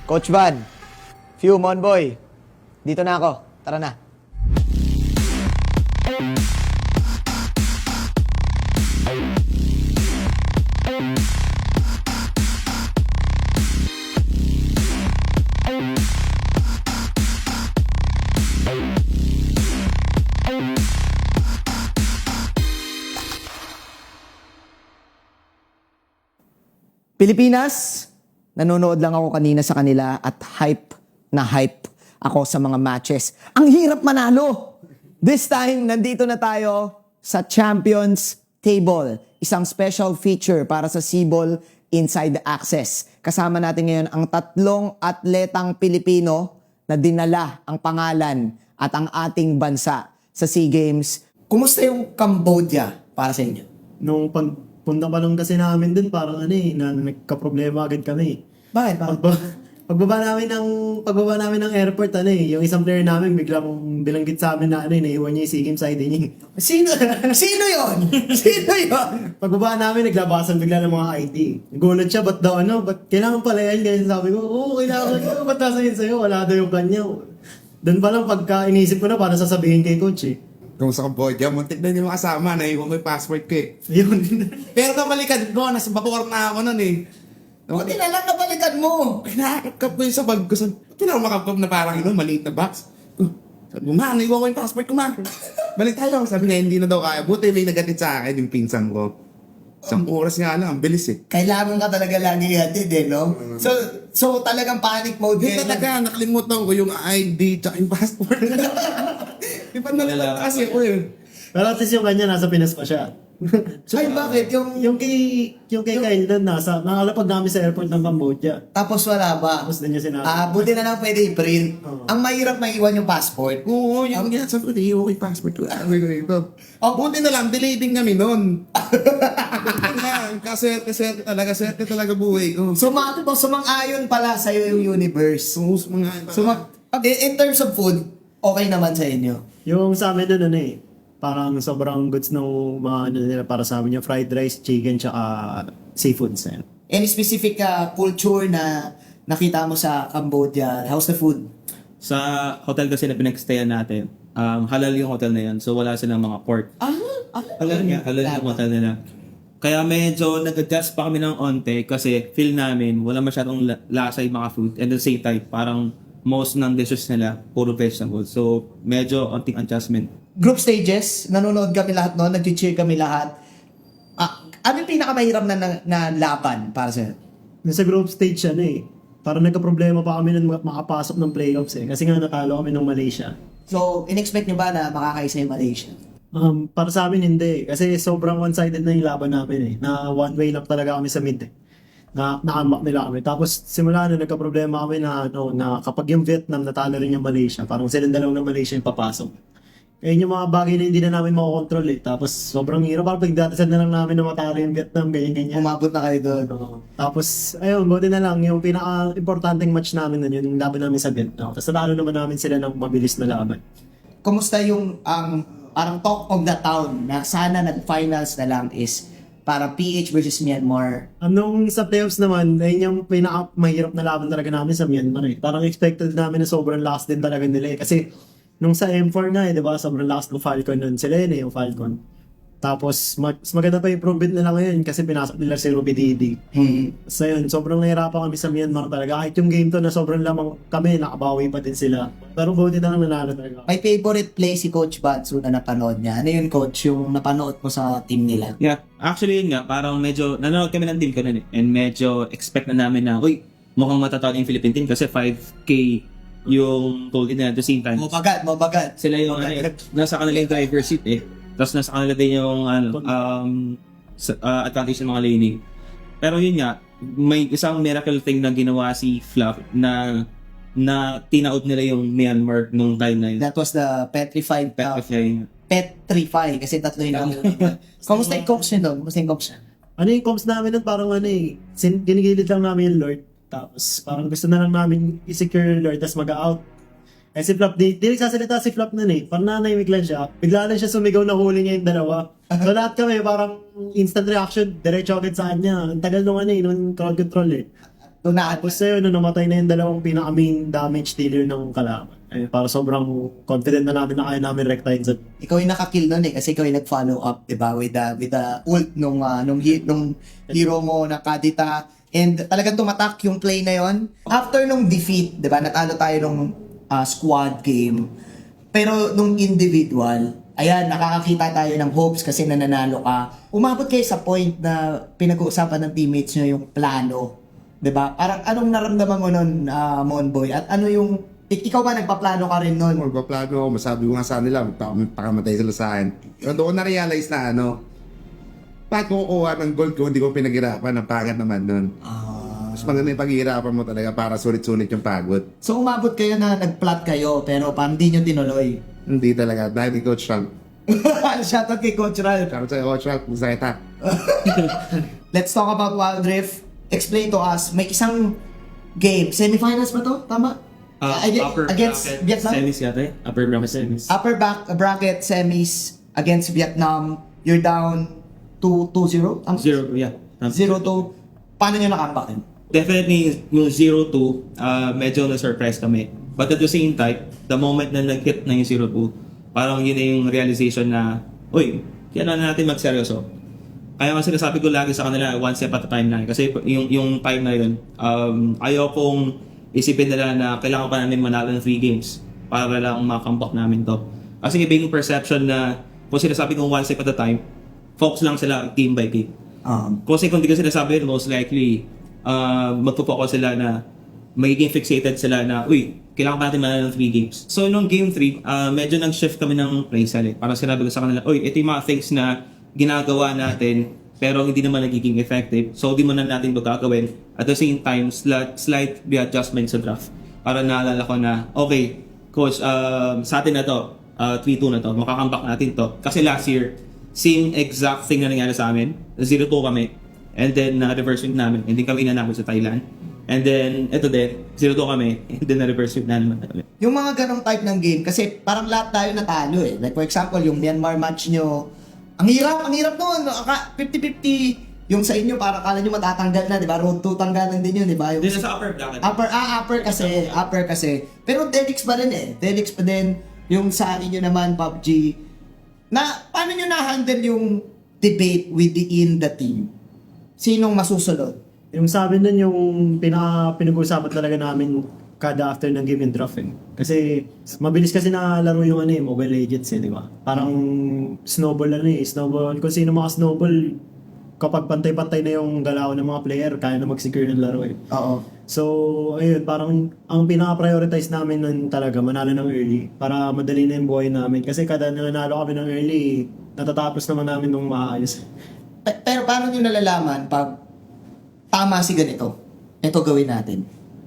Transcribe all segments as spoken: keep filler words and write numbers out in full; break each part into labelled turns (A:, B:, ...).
A: Coach Van, Few, Monboy, dito na ako. Tara na. Pilipinas, nanonood lang ako kanina sa kanila at hype na hype ako sa mga matches. Ang hirap manalo! This time, nandito na tayo sa Champions Table. Isang special feature para sa C-Ball Inside Access. Kasama natin ngayon ang tatlong atletang Pilipino na dinala ang pangalan at ang ating bansa sa SEA Games. Kumusta yung Cambodia para sa inyo?
B: Nung pagpunta pa lang kasi namin dun, parang ano eh, na nagka-problema agad kami.
A: Bakit? Bakit?
B: Pagba, pagbaba namin ng pagbaba namin ng airport, ano eh, yung isang player namin biglang bilanggit sa amin na ano eh, naiwan niya yung SEA Games I D niya.
A: Sino? Sino yon? Sino yon?
B: Pagbaba namin, naglabasan bigla ng mga I D. Nagulat siya, ba't daw ano, ba't kailangan pala yan? Kaya sabi ko, oo, kailangan ko, ba't nasa yun sa'yo? Wala daw yung kanya. Doon pa lang, pagka inisip ko na, para sasabihin kay coach eh.
C: Kung sa Cambodia, muntik na hindi makasama, naiwan ko yung passport ko eh.
B: Yun.
C: Pero nabalikan ko, nasa Bacoor na ako nun eh.
A: Buti na lang nabalikan mo.
C: Kinakapkap ko yung sa bag ko. Sabi, ba't na makapkap na parang ino, maliit na box? Oh, sabi ko, ma, naiwan ko yung passport ko, ma. Balik tayo. Sabi niya, hindi na daw kaya. Buti may nagatit sa akin yung pinsan ko. Isang oras nga lang, ang bilis eh.
A: Kailangan ka talaga lagi hatid eh, no? So, so talagang panic mode
C: Hindi
A: kayo.
C: talaga, nakalimutan ko yung I D tsaka yung passport. Di ba nalala kasi ako eh.
B: Pero at least yung kanya, nasa Pinas pa siya.
A: Ay, bakit? Yung,
B: Yung kay, yung kay Kyle doon, nasa, nakalapag namin sa airport ng Cambodia.
A: tapos wala ba?
B: Tapos din niya sinabi.
A: Ah, buti na lang pwede i-print.
B: Oo.
A: Ang mahirap maiwan yung passport.
C: Oo, yung nga, sabi ko, naiwan ko yung passport ko. Sabi ko dito. Oh, buti na lang, delay din kami nun. Buti na, kaswerte-swerte talaga, swerte talaga buhay ko.
A: Sumang, sumang-ayon pala sa'yo yung universe.
C: Sus, mga...
A: Sumang, in, in terms of food, okay naman sa inyo.
B: Yung sa amin doon, ano eh, parang sobrang goods ng mga ano nila para sa amin, yung fried rice, chicken, tsaka seafoods. Yan.
A: Any specific uh, culture na nakita mo sa Cambodia? How's the food?
D: Sa hotel kasi na pinagstayan natin, um, halal yung hotel na yan. So wala silang mga pork.
A: Ah, ah
D: Halal nga, halal yung hotel nila. Kaya medyo nag-adjust pa kami ng onte kasi feel namin wala masyadong la- lasa yung mga food. And at the same time, parang most ng dishes nila, puro vegetables. So medyo onting adjustment.
A: Group stages, nanonood kami lahat noon, nag-cheer kami lahat. Ah, ano yung pinakamahirap na, na, na laban para sa'yo?
B: Nasa group stage siya na eh. Parang nagka-problema pa kami nung makapasok ng playoffs eh. Kasi nga natalo kami ng Malaysia.
A: So, in-expect nyo ba na makakaisa yung Malaysia?
B: Um, para sa amin hindi. Kasi sobrang one-sided na yung laban namin eh. Na one way lang talaga kami sa mid eh. Na nakamak nila kami. Tapos simula na nagka-problema kami na, ano, na kapag yung Vietnam natalo rin yung Malaysia, parang silang dalaw ng Malaysia yung papasok. Ayun yung mga bagay na hindi na namin makokontrol eh. Tapos sobrang hirap. Parang pagdatasan na lang namin na matalo yung Vietnam, ganyan-ganyan.
A: Umabot na kayo doon.
B: Oo. Tapos, ayun, buti na lang, yung pinaka-importanting match namin nun, yung laban namin sa Vietnam. Tapos natalo naman namin sila ng mabilis na laban.
A: Kumusta yung ang parang talk of the town na sana nag-finals na lang is para P H versus Myanmar?
B: Anong sa playoffs naman, ayun yung pinaka-mahirap na laban talaga namin sa Myanmar eh. Parang expected namin na sobrang lakas din talaga nila eh. Kasi nung sa M four nga eh, di ba, sobrang lakas ng Falcon nun. Sila yun eh, yung Falcon. Tapos, mag- mas maganda pa yung improvement nila ngayon kasi pinasok nila si Ruby Didi.
A: Hmm.
B: So yun, sobrang nahirapan kami sa Myanmar talaga. Kahit yung game to na sobrang lamang kami, nakabawi pa din sila. Pero buti na lang nanalo talaga.
A: May favorite play si Coach Batsu na napanood niya. Ano yun, Coach, yung napanood mo sa team nila?
D: Yeah, actually yun nga, parang medyo, nanonood kami ng deal ko nun eh. And medyo expect na namin na, uy, mukhang matatalo yung Philippine team kasi five K yung goal in at the same time.
A: Mabagat, mabagat.
D: Sila yung, ano, eh, nasa kanila yung driver seat eh. Tapos nasa kanila din yung, ano, um, sa- uh, advantage ng mga laning. Pero yun nga, may isang miracle thing na ginawa si Fluff na na tinaout nila yung Myanmar nung time na yun.
A: That was the petrified, uh,
D: Petrify.
A: petrify, kasi tatlo yung Kamusta yung coach niyo doon? Kamusta yung coach niya?
B: Ano yung comps namin nun, parang ano eh, sin- ginigilid lang namin yung Lord. Tapos parang gusto na lang namin i-secure yung Lord, tapos mag-out. Eh si Flop, di, di nagsasalita si Flop nun eh. Parang nanahimik lang siya. Bigla lang siya sumigaw na huli niya yung dalawa. So lahat kami parang instant reaction, diretso agad sa kanya. Ang tagal nung ano eh, nung crowd control eh.
A: tunaan.
B: Tapos sa'yo, nung namatay na yung dalawang pinaka-main damage dealer ng kalaban. Eh, para sobrang confident na namin na kaya namin rektahin sa...
A: Ikaw yung nakakill nun eh, kasi ikaw yung nag-follow up, di ba, with the, with the ult nung, uh, nung, he- nung hero mo na Kadita. And talagang tumatak yung play na yon. After nung defeat, di ba, natalo tayo nung uh, squad game. Pero nung individual, ayan, nakakakita tayo ng hopes kasi nananalo ka. Umabot kayo sa point na pinag-uusapan ng teammates nyo yung plano. Di ba? Parang anong naramdaman mo nun, uh, Monboy? At ano yung... Ik- ikaw ba nagpaplano ka rin nun?
C: Magpaplano ako, masabi ko nga sa nila, magpa- pakamatay sila sa akin. Pero doon ko na-realize na ano, bakit ko kukuha ng gold ko, hindi ko pinaghirapan, ang pangit naman nun.
A: Ah.
C: Mas maganda yung paghihirapan mo talaga para sulit-sulit yung pagod.
A: So umabot kayo na nag-plot kayo, pero parang di nyo tinuloy.
C: Hindi talaga, dahil ni Coach Rank.
A: Shoutout kay Coach Ralph.
C: Sabi sa'yo, Coach Rank, masaya ta.
A: Let's talk about Wild Rift. Explain to us, may isang game, semifinals ba to? Tama?
D: Uh,
A: Ag-
D: upper
A: against
D: bracket
A: Vietnam?
D: semis yata eh. Upper bracket semis.
A: Upper back, bracket semis against Vietnam. You're down two zero? Tama?
D: Zero, yeah. Tama.
A: zero two. Paano nyo nakambak yun?
D: Definitely, yung zero two, uh, medyo na-surprise kami. But at the same time, the moment na nag-hit na yung zero two, parang yun na yung realization na, uy, kailangan natin magseryoso. Kaya nga sinasabi ko lagi sa kanila, one step at a time na. Kasi yung, yung time na yun, um, ayaw kong isipin nila na kailangan pa namin manalo ng three games para lang makambak namin to. Kasi iba yung perception na kung sinasabi kong one step at a time, focus lang sila game by game.
A: Um,
D: Kasi kung di ko sinasabi yun, most likely, uh, magpo-focus sila na magiging fixated sila na, uy, kailangan pa natin manalo ng three games. So, nung game three, uh, medyo nag-shift kami ng playstyle eh. Parang sinabi ko sa kanila, uy, ito yung mga things na ginagawa natin pero hindi naman nagiging effective. So, di mo na natin ito gagawin. At the same time, slight, slight readjustment sa draft. Para naalala ko na, okay, coach, um, sa atin na to, uh, three two na to, makakambak natin to. Kasi last year, same exact thing na nangyari sa amin. zero two kami. And then, na-reverse sweep namin. Hindi kami inanakot sa Thailand. And then, eto din, zero two kami. And then, na-reverse sweep na naman kami.
A: yung mga ganong type ng game, kasi parang lahat tayo natalo eh. Like for example, yung Myanmar match nyo, ang hirap, ang hirap nun. fifty fifty. Yung sa inyo, parang kala nyo matatanggal na, di ba? Road to tanggalan din yun, di ba? Yung
D: Din sa upper bracket.
A: upper, ah, upper kasi, upper kasi. Pero Delix pa rin eh. Delix pa din. Yung sa inyo naman, P U B G. Na, paano nyo na-handle yung debate within the team? Sinong masusunod?
B: Yung sabi nun yung pinaka pinag-uusapan talaga namin kada after ng game and draft eh. Kasi mabilis kasi na laro yung ano eh, Mobile Legends eh, di ba? Parang snowball ano eh, snowball. Kung sino mga snowball, kapag pantay-pantay na yung galaw ng mga player, kaya na mag-secure ng laro eh.
A: Oo.
B: So, ayun, parang ang pinaka-prioritize namin nun talaga, manalo ng early para madali na yung buhay namin. Kasi kada nanalo kami ng early, natatapos naman namin nung maayos.
A: Pe- Pero paano nyo nalalaman pag tama si ganito? Ito gawin natin.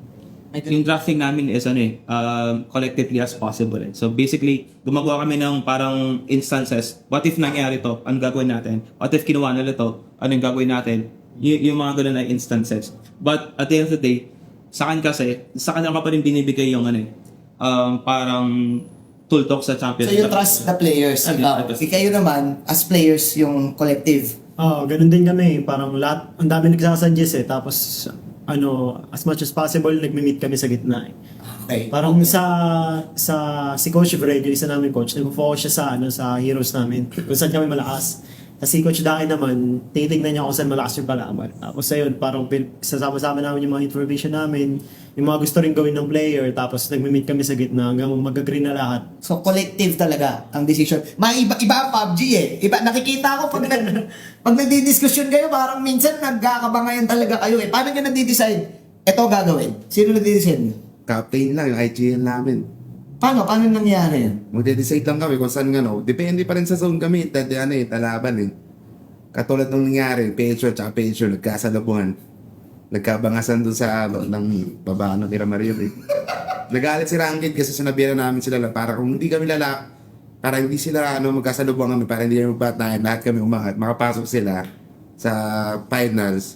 D: Yung drafting namin is ano eh, um, collectively as possible eh. So basically, gumagawa kami ng parang instances. What if nangyari to? Anong gagawin natin? What if kinuha nila to? Anong gagawin natin? Y- yung mga ganun na instances. But at the end of the day, sa akin kasi, sa kanila ka pa rin binibigay yung ano eh, um, parang tool talk sa champion.
A: So you trust the players.
D: Okay.
A: Uh, kayo naman, as players, yung collective.
B: Oo, ganun din kami. Parang lahat, ang dami nagsasadjust eh. Tapos, ano, as much as possible, nagme-meet kami sa gitna eh.
A: Okay.
B: Parang sa, sa, si Coach Fred, yung isa namin coach, nag-focus siya sa, ano, sa heroes namin. Kung saan kami malakas. Kasi si Coach Daki naman, titignan niya kung saan malakas yung kalaban. Tapos ayun, parang pin- sasama-sama namin yung mga information namin, yung mga gusto rin gawin ng player, tapos nagme-meet kami sa gitna hanggang mag-agree na lahat.
A: So collective talaga ang decision. May iba, iba ang P U B G eh. Iba, nakikita ko pag, nag, pag nagdi-discussion kayo, parang minsan nagkakabangayan talaga kayo eh. Paano nyo nagdi-decide? Ito gagawin. Sino nagdi-decide?
C: Captain lang, yung I G L namin.
A: Paano? Paano nangyari yan?
C: Magde-decide lang kami kung saan ano. Depende pa rin sa zone kami. Tadi ano eh, talaban eh. Katulad nung nangyari, Pedro at Pedro, nagkasalabuhan. Nagkabangasan doon sa ano, ng baba ano, ni Ramario eh. Nagalit si Rangit kasi sinabihan namin sila na para kung hindi kami lala, para hindi sila ano, magkasalubuhan kami, para hindi kami magbatayan, lahat kami umangat, makapasok sila sa finals.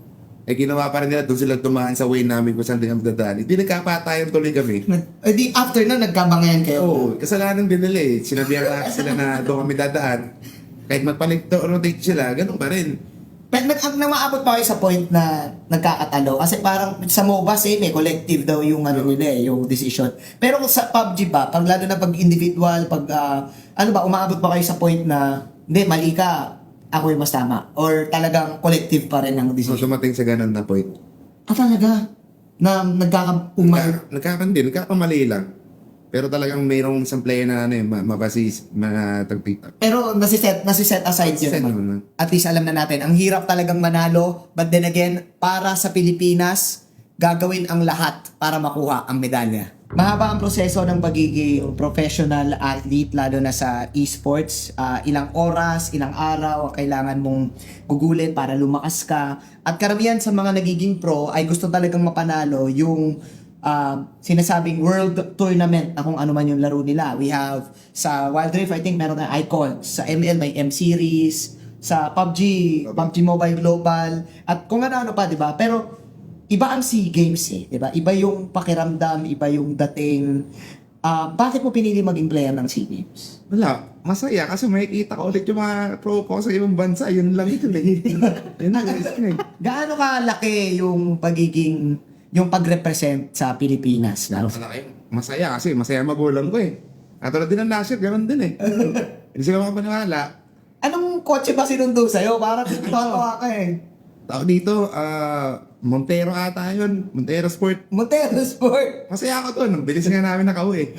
C: Eh ginawa pa rin nila, doon sila tumahan sa way namin kung saan din kami dadaan. Hindi nagkapatayan tuloy kami.
A: Eh di after na nagkabangayan kayo.
C: Oo, kasalanan din nila eh. Sinabihan na sila na doon kami dadaan. Kahit magpalit rotate sila, ganun pa rin.
A: Pero nag, ang namaabot pa kayo sa point na nagkakatalo? Kasi parang sa MOBA, same eh, collective daw yung ano nila eh, yung decision. Pero sa P U B G ba, pag lalo na pag individual, pag ah, ano ba, umaabot pa kayo sa point na, hindi, mali ka, ako yung mas tama? Or talagang collective pa rin ang
C: So,
A: decision?
C: dumating sa ganun na point.
A: Ah, talaga? Na nagkaka... Umay...
C: Nagka- Nagkakandi, nagkakamali lang. Pero talagang mayroong isang player na ano eh, ma- mabasis, matagpita.
A: Pero nasiset, nasiset aside yun.
C: Nasiset
A: naman.
C: naman.
A: At least alam na natin, ang hirap talagang manalo. But then again, para sa Pilipinas, gagawin ang lahat para makuha ang medalya. Mahaba ang proseso ng pagiging professional athlete, lalo na sa esports. Ah, ilang oras, ilang araw ang kailangan mong gugulin para lumakas ka. At karamihan sa mga nagiging pro ay gusto talagang mapanalo yung uh, sinasabing world tournament na kung ano man yung laro nila. We have sa Wild Rift, I think meron na Icon. Sa M L may M-Series. Sa P U B G, P U B G Mobile Global. At kung ano-ano pa, di ba? Pero iba ang SEA Games eh. Di ba? Iba yung pakiramdam, iba yung dating. Ah, bakit mo pinili maging player ng SEA Games?
C: Wala, masaya kasi makikita ko ulit yung mga pro ko sa ibang bansa. Yun lang ito eh. Yun lang, yun eh.
A: Gaano kalaki yung pagiging, yung pag-represent sa Pilipinas? Lalo sa
C: Malaki. Masaya kasi masaya magulang ko eh. At tulad din ng last year, ganun din eh. Hindi sila makapaniwala.
A: Anong kotse ba sinundo sa'yo? Parang tatawa ka eh.
C: Tao dito, ah, Montero ata yun. Montero Sport.
A: Montero Sport.
C: Masaya ako doon. Ang bilis nga namin nakauwi.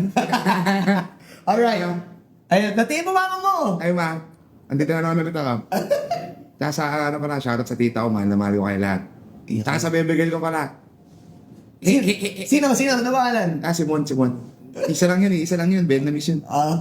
A: Alright. Ayun, natiin mo mama mo.
C: Ay ma, andito na naman ulit ako. Tsaka sa ano pala, shoutout sa tita ko, mahal na mahal ko kayo lahat. Tsaka sa bebegel ko pala.
A: Sino? Sino? Sino? Ano pangalan?
C: Ah, si Mon, si Mon. Isa lang yun eh, isa lang yun. Vietnamese yun.
A: Ah.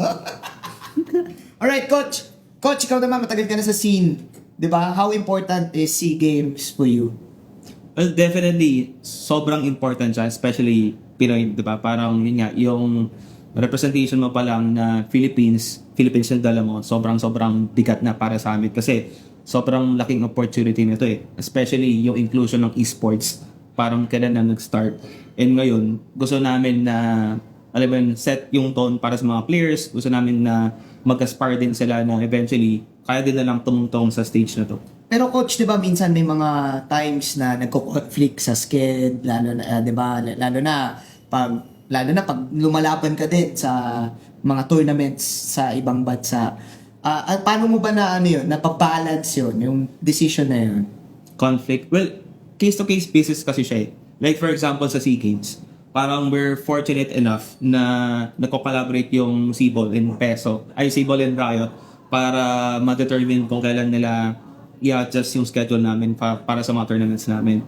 A: Alright, Coach. Coach, ikaw naman, matagal ka na sa scene. Di ba? How important is SEA Games for you?
D: Well, definitely, sobrang important siya, especially Pinoy, di ba? Parang yun nga, yung representation mo pa lang na Philippines, Philippines yung dala mo, sobrang-sobrang bigat na para sa amin. Kasi sobrang laking opportunity nito eh. Especially yung inclusion ng esports. Parang kailan na nag-start. And ngayon, gusto namin na, alam mo yun, set yung tone para sa mga players. Gusto namin na mag-aspire din sila na eventually, kaya din na lang tumungtong sa stage na to.
A: Pero coach, 'di ba, minsan may mga times na nagko-conflict sa sked, lalo na uh, 'di ba, lalo na pag lalo na pag lumalaban ka din sa mga tournaments sa ibang bansa. Ah, uh, paano mo ba na ano 'yun, napabalance 'yun, yung decision na 'yun?
D: Conflict. Well, case-to-case basis kasi siya eh. Like for example sa SEA Games, parang we're fortunate enough na nagko-collaborate yung Cball and Peso, ay Cball and Riot para ma-determine kung kailan nila i-adjust yung schedule namin pa- para sa mga tournaments namin.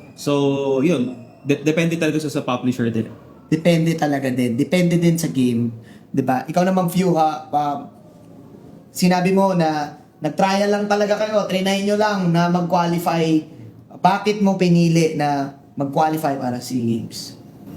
D: So, yun. De- depende talaga sa, sa publisher din.
A: Depende talaga din. Depende din sa game. 'Di ba? Ikaw naman, Few, ha, um, sinabi mo na nag-trial lang talaga kayo, trinay nyo lang na mag-qualify. Bakit mo pinili na mag-qualify para SEA Games?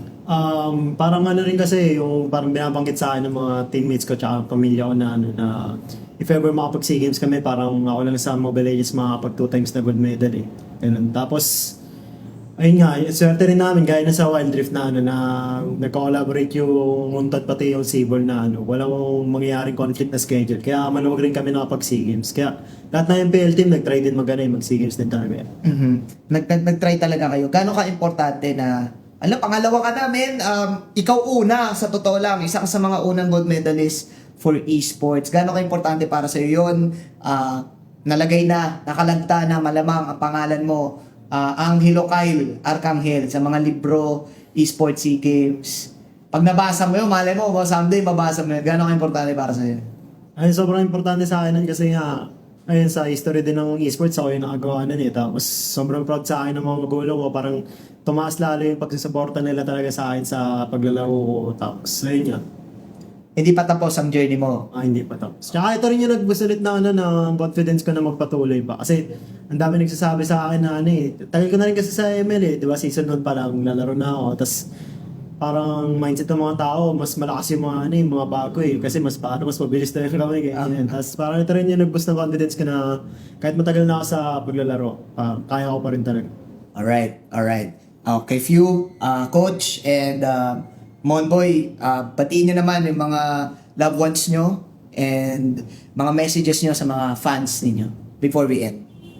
B: Um, parang ano rin kasi, yung parang binabanggit sa akin ng mga teammates ko tsaka pamilya ko na ano na if ever makapag SEA Games kami, parang ako lang sa Mobile Legends makapag two times na gold medal eh. Ganun. Tapos, ayun nga, swerte rin namin gaya na sa Wild Rift na ano na nagko-collaborate yung Muntad pati yung Cball na ano, walang mangyayaring conflict na schedule. Kaya maluwag rin kami nakapag SEA Games. Kaya lahat na yung P L team nag-try din mag mag SEA Games din talaga.
A: Mhm. Nag, nag, nag-try talaga kayo. Gaano ka-importante na, alam, pangalawa ka namin, um, ikaw una, sa totoo lang, isa ka sa mga unang gold medalist for esports. Gaano ka-importante para sa iyo yun? Ah, nalagay na, nakalagta na malamang ang pangalan mo, uh, Angelo Kyle Arcangel sa mga libro, esports SEA Games. Pag nabasa mo yun, malay mo, someday mabasa mo yun. Gaano ka-importante para sa iyo?
B: Ay, sobrang importante sa akin nun kasi nga, ayun, sa history din ng esports, ako yung nakagawa nun eh. Tapos, sobrang proud sa akin ng mga magulang ko. Parang tumaas lalo yung pagsusuporta nila talaga sa akin sa paglalaro ko. Tapos, ayun nga.
A: Hindi pa tapos ang journey mo.
B: Ah, hindi pa tapos. Tsaka ito rin yung nagbusulit na ano, na confidence ko na magpatuloy pa. Kasi, ang dami nagsasabi sa akin na ano eh. Tagal ko na rin kasi sa M L eh. Di ba, season one pa lang, lalaro na ako. Tapos, parang mindset ng mga tao, mas malakas yung mga, ano, yung mga bago eh. Kasi mas paano, mas mabilis na yung kami. Ganyan. Tapos parang ito rin yung nag-boost ng confidence ko na kahit matagal na ako sa paglalaro, uh, kaya ko pa rin talaga.
A: Alright, alright. Okay, Few, uh, Coach, and uh, Monboy, uh, batiin nyo naman yung mga loved ones nyo and mga messages nyo sa mga fans ninyo before we end.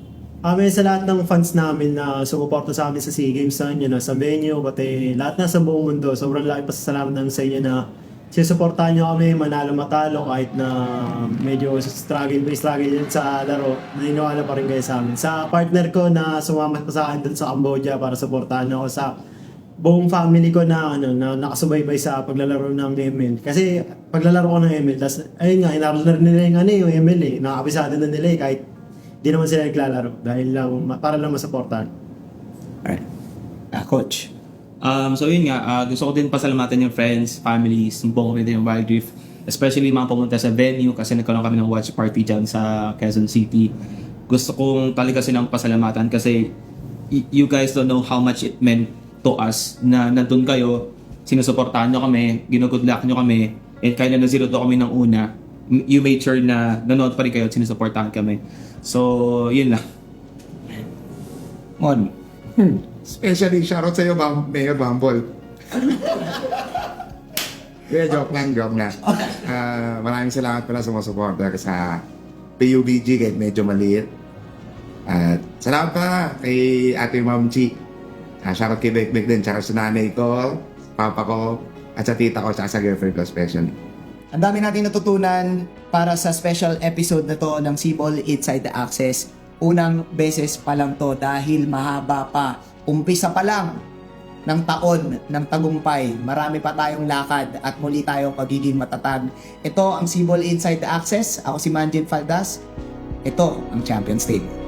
B: Kami sa lahat ng fans namin na sumuporta sa amin sa SEA Games na yun, sa venue, pati lahat na sa buong mundo. Sobrang laki pasasalamat namin sa inyo na sinusuportahan nyo kami, manalo matalo, kahit na medyo struggle, may struggle yun sa laro, naniniwala pa rin kayo sa amin. Sa partner ko na sumama pa sa akin dun sa Cambodia para suportahan ako, sa buong family ko na ano na nakasubaybay sa paglalaro ng M L. Kasi paglalaro ko ng M L, tas ayun nga, inaro na rin nila yung ano yung M L eh. Nakakabisado na nila eh, kahit di naman sila naglalaro dahil lang para lang masuportahan.
A: Alright. Ah, coach.
D: Um, so yun nga, uh, gusto ko din pasalamatan yung friends, families, yung buong community ng Wild Rift. Especially mga pumunta sa venue kasi nagkaroon kami ng watch party dyan sa Quezon City. Gusto kong talaga silang pasalamatan kasi y- you guys don't know how much it meant to us na nandun kayo, sinusuportahan nyo kami, ginugood luck nyo kami, and kahit na na-zero to kami ng una, m- you made sure na nanood pa rin kayo at sinusuportahan kami. So, yun lang.
A: Mon.
C: Especially, shoutout sa'yo, Bam, Mayor Bumble. Kaya joke lang, joke lang. Ah, maraming salamat pala sa mga supporter sa P U B G kahit medyo maliit. At salamat pa kay Ate Ma'am Chi. Ah, shoutout kay Bekbek din, tsaka sa nanay ko, papa ko, at sa tita ko, tsaka sa girlfriend ko especially.
A: Ang dami natin natutunan para sa special episode na to ng Cebol Inside the Access. Unang beses pa lang to dahil mahaba pa. Umpisa pa lang ng taon ng tagumpay. Marami pa tayong lakad at muli tayong magiging matatag. Ito ang Cebol Inside the Access. Ako si Manjin Faldas. Ito ang Champions Table.